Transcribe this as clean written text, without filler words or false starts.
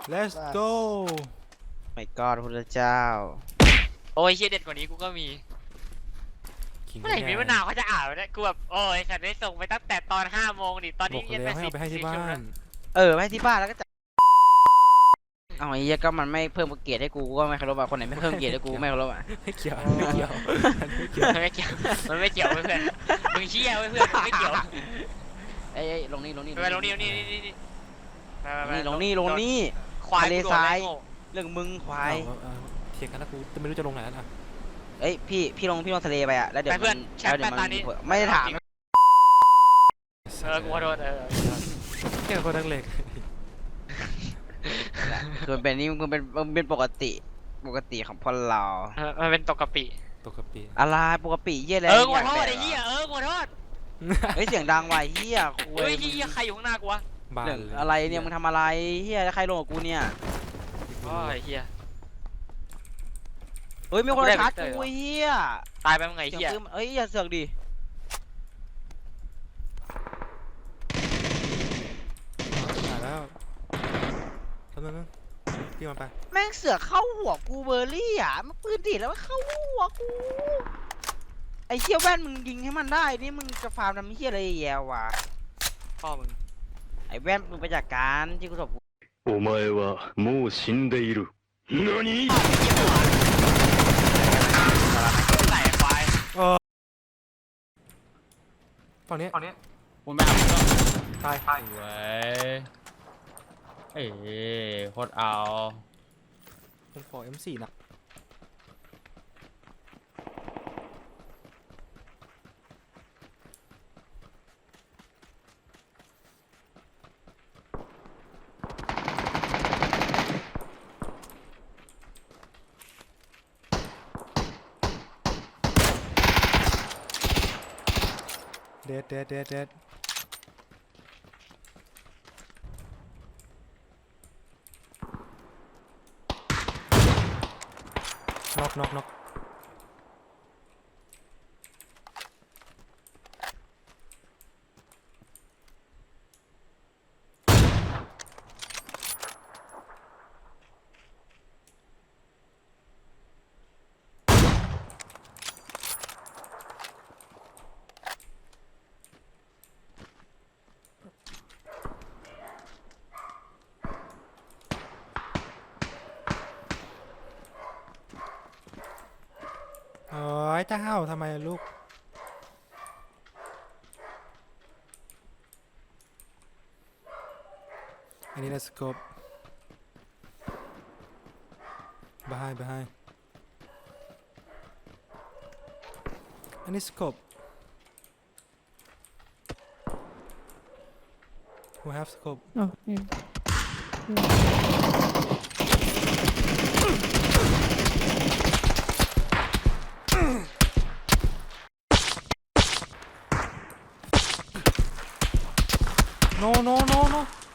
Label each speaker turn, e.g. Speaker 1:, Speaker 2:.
Speaker 1: let's go
Speaker 2: ไม่กอดพระเจ้า
Speaker 3: โอ้ยเฮียเด็ดกว่านี้กูก็มีเมื่อไหร่มีมะนาวเขาจะอ่านวะเนี่ยกูแบบโอ้ยฉันได้ส่งไปตั้งแต่ตอน5 โมงดิตอน
Speaker 1: บ
Speaker 3: นี้
Speaker 1: อก
Speaker 3: เย็น
Speaker 1: แล้ว
Speaker 3: ไป
Speaker 1: ให้เอาไปให้ที่บ้าน
Speaker 2: ไม่ให้ที่บ้านแล้วก็จะเอาไอ้เหี้ยก็มันไม่เพิ่มเกียรติให้กูก็ไม่เคารพอ่ะคนไหนไม่เพิ่มเกียรติให้กูไม่เคารพอ่ะ
Speaker 1: ไม่เกี่ยวไม่เกี่ยวไม่เกี่ยว
Speaker 3: มันไม่เกี่ยวเพื่อนมึงเชี่ยเพื่อนไม่เกี่ยว
Speaker 2: เอ้ยลงนี่
Speaker 3: ไปลงนี่
Speaker 2: ลงนี่
Speaker 3: ควาย
Speaker 2: ทะเลทราย เรื่องมึงควาย
Speaker 1: เถียงกันแล้วกูจะไม่รู้จะลงไหนแล้วนะ
Speaker 2: เอ้ยพี่ลงทะเลไปอ่ะแล้วเดี๋ยว
Speaker 3: เพื่อนแชทแปตานี้
Speaker 2: ไม่ได้ถาม
Speaker 3: กูขอโทษ
Speaker 1: แค่คนนักเลง
Speaker 2: คือมันเป็นนี่มันเป็นปกติของพวกเรา
Speaker 3: มันเป็นตกกะปิ
Speaker 1: ปกติ
Speaker 2: อะไรปกติเหี้ยอะไร
Speaker 3: กูขอโทษไอ้เหี้ยกูขอโทษ
Speaker 2: เฮ้ยเสียงดังว่ะเหี้ยคุ
Speaker 3: เฮ้ย
Speaker 2: ย
Speaker 3: เหี้ยใครอยู่ข้างหน้ากูวะ
Speaker 1: บ้า
Speaker 2: เรื่องอะไรเนี่ยมึงทำอะไรเหี้ยแล้วใครลงกับกูเนี่ย
Speaker 3: โอ้ยเหี้ย
Speaker 2: เฮ้ยมีคน
Speaker 3: กูได้
Speaker 2: ชาร์จ
Speaker 3: Victor
Speaker 2: กูเหี้ย
Speaker 3: ตายไปมึงไง
Speaker 2: เสียง
Speaker 3: เหี้ย
Speaker 2: ปืนเอ้ยอย่าเสือกดิ
Speaker 1: หายแล้วทำนั้นพี่มันไป
Speaker 2: แม่งเสือกเข้าหัวกูเบอร์รี่อ่ะมันปืนดีดแล้วมันเข้าหัวกูไอ้เหี้ยแว่นมึงยิงให้มันได้นี่มึงจะฟาร์มทำเหี้ยอะไรแย่วะ
Speaker 3: พ่อมึง
Speaker 2: ไอ้แว่นมึงไปจากการที่กูสอบ
Speaker 4: お前はもう死んでいる。何
Speaker 3: ใส่ควาย
Speaker 1: ฝั่งนี้
Speaker 5: คุณไม่เอาก็
Speaker 1: ตาย
Speaker 5: สวยเอ้โคตรเอา
Speaker 1: ผมขอ M4 นะเด็ดน็อก โอ้ยเจ้าทำไมลูกอันนี้นะสโคป behind อันนี้สโคป who have scope
Speaker 6: Oh, yeah.
Speaker 1: no